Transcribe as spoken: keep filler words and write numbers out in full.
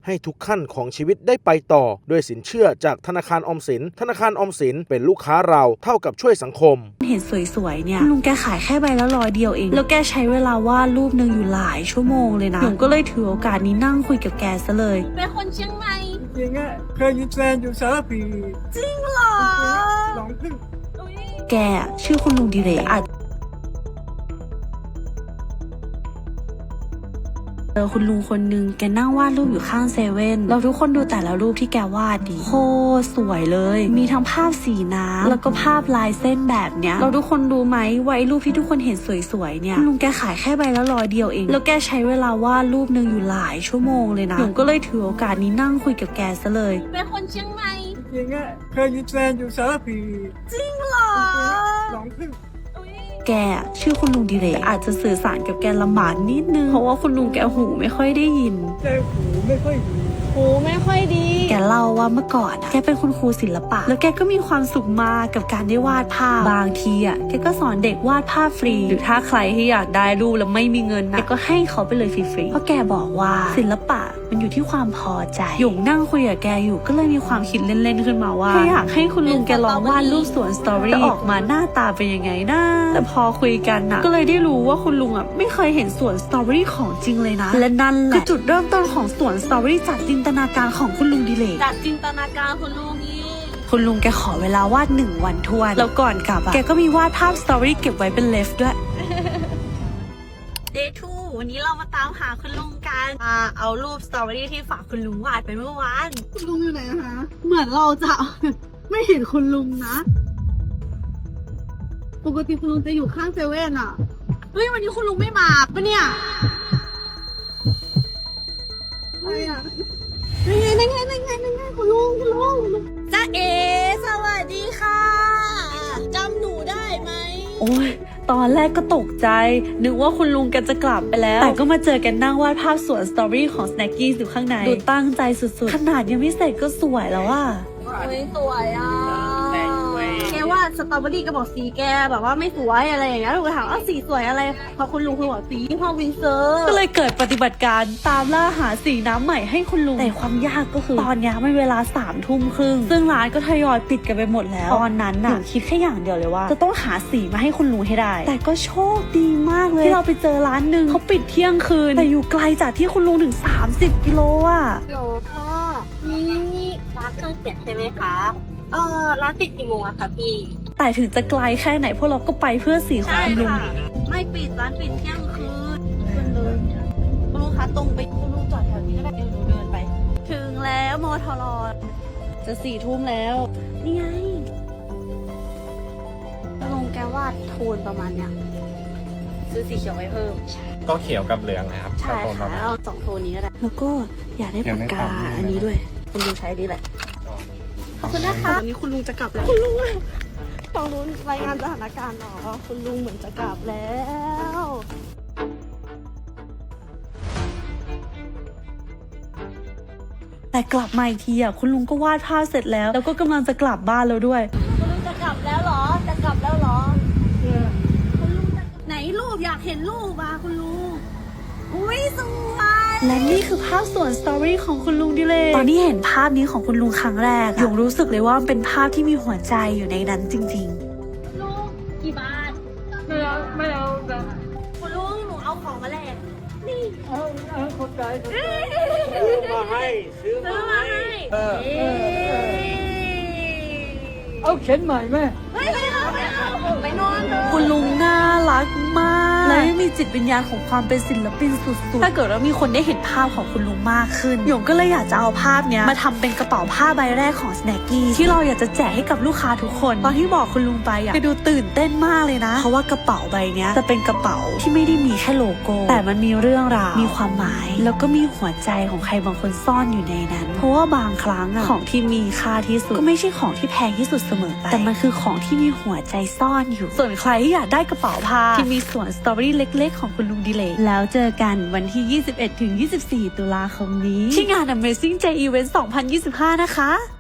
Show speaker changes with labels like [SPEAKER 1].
[SPEAKER 1] ให้ทุกขั้นของชีวิตได้ไปต่อด้วยสินเชื่อจากธนาคารออมสินธนาคารออมสินเป็นลูกค้าเราเท่ากับช่วยสังคม
[SPEAKER 2] เห็นสวยๆเนี่ยลุงแกขายแค่ใบละร้อยเดียวเองแล้วแกใช้เวลาวาดรูปนึงอยู่หลายชั่วโมงเลยนะหนูก็เลยถือโอกาสนี้นั่งคุยกับแกซะเลย
[SPEAKER 3] เป็นคนเชียงใหม่
[SPEAKER 4] จริงอะเคยมีแฟนอยู่สารพี
[SPEAKER 3] จริงเหรอ
[SPEAKER 4] หลงพึ่ง
[SPEAKER 2] แกชื่อคุณลุงดิเรกอาจเจอคุณลุงคนนึงแกนั่งวาดรูปอยู่ข้างเซเว่นเราทุกคนดูแต่ละรูปที่แกวาดดิโคตรสวยเลยมีทั้งภาพสีน้ำแล้วก็ภาพลายเส้นแบบเนี้ยเราทุกคนรู้ไหมว่าไอ้รูปที่ทุกคนเห็นสวยๆเนี่ยลุงแกขายแค่ใบละร้อยเดียวเองแล้วแกใช้เวลาวาดรูปนึงอยู่หลายชั่วโมงเลยนะหนูก็เลยถือโอกาสนี้นั่งคุยกับแกซะเลย
[SPEAKER 3] เป็นคนเชียงใหม่
[SPEAKER 4] จริงอะเคยมีแฟนอยู่สารพี
[SPEAKER 3] จริงเหรอ
[SPEAKER 4] หลงพึ่ง
[SPEAKER 2] แกชื่อคุณลุงดิเรกอาจจะสื่อสารกับแกลำบากนิดนึงเพราะว่าคุณลุงแกหูไม่ค่อยได้ยิน
[SPEAKER 4] แต่หูไม่ค่อยดี
[SPEAKER 3] หูไม่ค่อยดี
[SPEAKER 2] แกเล่าว่าเมื่อก่อนอะแกเป็นคุณครูศิลปะแล้วแกก็มีความสุขมากกับการได้วาดภาพบางทีอะแกก็สอนเด็กวาดภาพฟรีหรือถ้าใครที่อยากได้รูปแล้วไม่มีเงินนะแกก็ให้เขาไปเลยฟรีๆเพราะแกบอกว่าศิลปะมันอยู่ที่ความพอใจหยงนั่งคุยกับแกอยู่ก็เลยมีความคิดเล่นๆขึ้นมาว่าอยากให้คุณลุงแกลองวาดรูปสวนสตรอเบอรี่จะออกมาหน้าตาเป็นยังไงนะแต่พอคุยกันนะก็เลยได้รู้ว่าคุณลุงอ่ะไม่เคยเห็นสวนสตรอเบอรี่ของจริงเลยนะและนั่นแหละคือจุดเริ่มต้นของสวนสตรอเบอรี่จากจินตนาการของคุณลุงดิเรก
[SPEAKER 3] จากจินตนาการคุณลุงนี่
[SPEAKER 2] คุณลุงแกขอเวลาวาดหนึ่งวันทวนแล้วก่อนกลับอ่ะแกก็มีวาดภาพสตรอเบอรี่เก็บไว้เป็นเลฟด้วย
[SPEAKER 3] เดย์ทูวันนี้เรามาตามหาคุณลุงกันมาเอารูปสตรอเบอรี่ที่ฝากคุณลุงวาดไปเมื่อวาน
[SPEAKER 5] คุณลุงอยู่ไหนคะเหมือนเราจะ ไม่เห็นคุณลุงนะปกติคุณลุงจะอยู่ข้างเซเว่นอ่ะ
[SPEAKER 3] เฮ้ยวันนี้คุณลุงไม่มาปะเนี่ย
[SPEAKER 5] อะไรอ่ะนั่งไงนั่งไงนั่งไงนั่งไงคุณลุงคุณลุง
[SPEAKER 3] จ้าเอสวัสดีค่ะจำหนูได้ไหม
[SPEAKER 2] โอ้ยตอนแรกก็ตกใจนึกว่าคุณลุงแกจะกลับไปแล้วแต่ก็มาเจอกันนั่งวาดภาพสวนสตรอเบอรี่ของสแน็คกี้อยู่ข้างในดูตั้งใจสุดๆขนาดยังไม่เสร็จก็สวยแล้วอ่ะ
[SPEAKER 3] เฮ้ยสวยอ่ะแกว่าสตรอเบอรี่ก็บอกสีแกแบบว่าไม่สวยอะไรอย่างเงี้ยเราก็ถามว่าสีสวยอะไรพอคุณลุงคุณบอกสีพ่อวินเซอร์
[SPEAKER 2] ก็เลยเกิดปฏิบัติการตามล่าหาสีน้ำใหม่ให้คุณลุงแต่ความยากก็คือตอนนี้ไม่เวลาสามทุ่มครึ่งซึ่งร้านก็ทยอยปิดกันไปหมดแล้วตอนนั้นน่ะคิดแค่อย่างเดียวเลยว่าจะต้องหาสีมาให้คุณลุงให้ได้แต่ก็โชคดีมากเลยที่เราไปเจอร้านหนึ่งเขาปิดเที่ยงคืนแต่อยู่ไกลจากที่คุณลุงถึงสามสิบกิโลอ่ะ
[SPEAKER 3] โหลพ่อนี่ร้านเครื่องเขียนใช่ไหมคะเออร้านปิดกี่โมงอะคะพี่
[SPEAKER 2] แต่ถึงจะไกลแค่ไหนพวกเราก็ไปเพื่อสีของคุณลุง
[SPEAKER 3] ไม่ปิดร้านปิดเที่ยงคืนขึ้นเลยคุณลุงคะตรงไปคุณลุงจอดแถวนี้ก็ได้เดี๋ยวหนูเดินไปถึงแล้วมอทรจะสี่ทุ่มแล้วนี่ไงลุงแกวาดโทนประมาณเนี้ยซื้อสีเขียวไว้เพิ่ม
[SPEAKER 6] ก็เขียวกับเหลืองนะครับ
[SPEAKER 3] ใช่ค่ะเอาสองโทนนี้ก็ได้
[SPEAKER 2] แล้วก็อยากได้ปากกาอันนี้ด้วย
[SPEAKER 3] คุณลุงใช้ดีแหละขอบคุณนะคะ
[SPEAKER 5] วันนี้คุณลุงจะกลับแล้ว
[SPEAKER 3] คุณลุงต้องรู้รายงานสถานการณ์หรอคุณลุงเหมือนจะกลับแล้ว
[SPEAKER 2] แต่กลับมาอีกทีอ่ะคุณลุงก็วาดภาพเสร็จแล้วแล้วก็กำลังจะกลับบ้านแล้วด้วย
[SPEAKER 3] คุณลุงจะกลับแล้วเหรอจะกลับแล้วเหรอคุณลุงไหนรูปอยากเห็นรูปอ่ะคุณลุงอุ้ยสวย
[SPEAKER 2] และนี่คือภาพสวนสตรอเบอรี่ของคุณลุงดิเลกตอนที่เห็นภาพนี้ของคุณลุงครั้งแรกหยงรู้สึกเลยว่าเป็นภาพที่มีหัวใจอยู่ในนั้นจริง
[SPEAKER 3] ๆลุงกี่บาท
[SPEAKER 4] ไม่เอาไม่เอา
[SPEAKER 3] คุณลุงหนูเอาของมาแลกนี่
[SPEAKER 4] เอาเอาคนใจ
[SPEAKER 1] ซื้อมาให้ซื้อมาให้
[SPEAKER 4] เออเอาเข็นใหม่ไหม
[SPEAKER 3] ไม่เอาไม่เอาไปนอนเลย
[SPEAKER 2] คุณลุงน่ารักมากและมีจิตวิญญาณของความเป็นศิลปินสุดๆถ้าเกิดว่ามีคนได้เห็นภาพของคุณลุงมากขึ้นหยงก็เลยอยากจะเอาภาพนี้มาทำเป็นกระเป๋าผ้าใบแรกของสแน็คกี้ที่เราอยากจะแจกให้กับลูกค้าทุกคนตอนที่บอกคุณลุงไปอะไปดูตื่นเต้นมากเลยนะเพราะว่ากระเป๋าใบนี้จะเป็นกระเป๋าที่ไม่ได้มีแค่โลโก้แต่มันมีเรื่องราวมีความหมายแล้วก็มีหัวใจของใครบางคนซ่อนอยู่ในนั้นเพราะว่าบางครั้งอะของที่มีค่าที่สุดก็ไม่ใช่ของที่แพงที่สุดเสมอไปแต่มันคือของที่มีหัวใจซ่อนอยู่ส่วนใครที่อยากได้กระเป๋าผ้าที่มีสวนสตรอเบอรี่เล็กๆของคุณลุงดิเลกแล้วเจอกันวันที่ ยี่สิบเอ็ดถึงยี่สิบสี่ ตุลาคมนี้ที่งาน Amazing J Event สองพันยี่สิบห้านะคะ